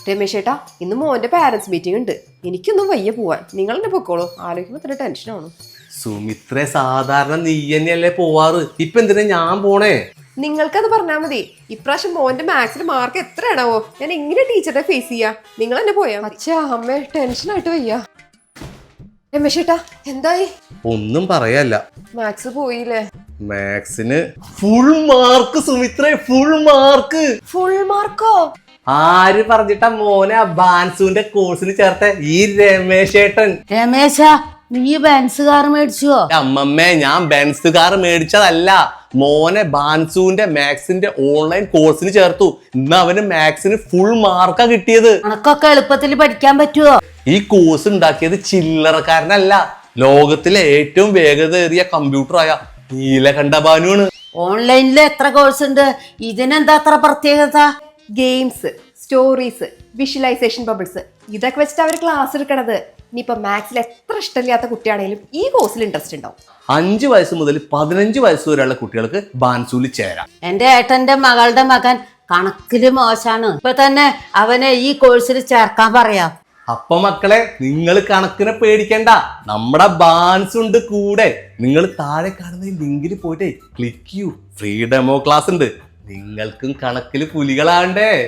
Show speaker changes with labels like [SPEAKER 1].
[SPEAKER 1] രമേശ് ചേട്ടാ, ഇന്ന് മോന്റെ പാരന്റ്സ് മീറ്റിംഗ് ഉണ്ട്. എനിക്കൊന്നും വയ്യ പോവാൻ. നിങ്ങൾ എന്നെ പൊക്കോളൂ. ആലോചിക്കുമ്പോ തന്നെ ടെൻഷനാണ്.
[SPEAKER 2] സുമിത്രേ, സാധാരണ നീ തന്നെയല്ലേ പോവാറ്, ഇപ്പൊ എന്തിനാ ഞാൻ പോണേ?
[SPEAKER 1] നിങ്ങൾക്കത് പറഞ്ഞാൽ മതി. ഇപ്രാവശ്യം മോന്റെ മാത്സിന് മാർക്ക് എത്രയാണാവോ? ഞാൻ എങ്ങനെ ടീച്ചറെ ഫേസ് ചെയ്യാ? നിങ്ങൾ എന്നെ പോയാ? അച്ഛാ അമ്മ ടെൻഷനായിട്ട് വയ്യ. രമേശ് ചേട്ടാ എന്തായി?
[SPEAKER 2] ഒന്നും പറയല്ല,
[SPEAKER 1] മാത്സ് പോയില്ലേ?
[SPEAKER 2] മാത്സിന് ഫുൾ മാർക്ക് സുമിത്രേ, ഫുൾ മാർക്ക്.
[SPEAKER 1] ഫുൾ മാർക്കോ?
[SPEAKER 2] ആര് പറഞ്ഞിട്ടാ മോനെ ബാൻസുവിന്റെ കോഴ്സിന് ചേർത്ത? ഈ രമേശ് ഏട്ടൻ.
[SPEAKER 3] രമേശ, നീ ബെൻസ് കാർ മേടിച്ചുവോ?
[SPEAKER 2] അമ്മമ്മേ, ഞാൻ ബെൻസ് കാർ മേടിച്ചതല്ല, മോനെ ബാൻസുവിന്റെ മാത്സിന്റെ ഓൺലൈൻ കോഴ്സിന് ചേർത്തു. ഇന്ന് അവന് മാത്സിന് ഫുൾ മാർക്കാ കിട്ടിയത്.
[SPEAKER 3] അനക്കൊക്കെ എളുപ്പത്തിൽ പഠിക്കാൻ പറ്റുവോ?
[SPEAKER 2] ഈ കോഴ്സ് ഉണ്ടാക്കിയത് ചില്ലറക്കാരനല്ല, ലോകത്തിലെ ഏറ്റവും വേഗതയേറിയ കമ്പ്യൂട്ടറായ നീലകണ്ഠഭാനുവാണ്.
[SPEAKER 3] ഓൺലൈനിൽ എത്ര കോഴ്സ് ഉണ്ട്? ഇതിനെന്താ അത്ര പ്രത്യേകത?
[SPEAKER 1] ഗെയിംസ്, സ്റ്റോറീസ്, വിഷ്വലൈസേഷൻ ബബിൾസ്, ഇതൊക്കെ വെച്ചിട്ട് അവർ ക്ലാസ് എടുക്കണത്. ഇനിയിപ്പോ മാത്സിൽ എത്ര ഇഷ്ടമില്ലാത്ത കുട്ടിയാണെങ്കിലും ഈ കോഴ്സിൽ ഇൻട്രസ്റ്റ് ഉണ്ടാവും.
[SPEAKER 2] 5 വയസ്സ് മുതൽ 15 വയസ്സ് വരെയുള്ള കുട്ടികൾക്ക് ബാൻസൂല് ചേരാം.
[SPEAKER 3] എന്റെ ഏട്ടന്റെ മകളുടെ മകൻ കണക്കില് മോശാണ്. ഇപ്പൊ തന്നെ അവനെ ഈ കോഴ്സിൽ ചേർക്കാൻ പറയാം.
[SPEAKER 2] അപ്പൊ മക്കളെ, നിങ്ങൾ കണക്കിനെ പേടിക്കണ്ട, നമ്മുടെ ബാൻസ് ഉണ്ട് കൂടെ. നിങ്ങൾ താഴെ കാണുന്ന ലിങ്കിൽ പോയിട്ട് ക്ലിക്ക് ചെയ്യൂ, ഫ്രീ ഡെമോ ക്ലാസ് ഉണ്ട്. നിങ്ങൾക്കും കണക്കില് പുലികളാണ്ടേ.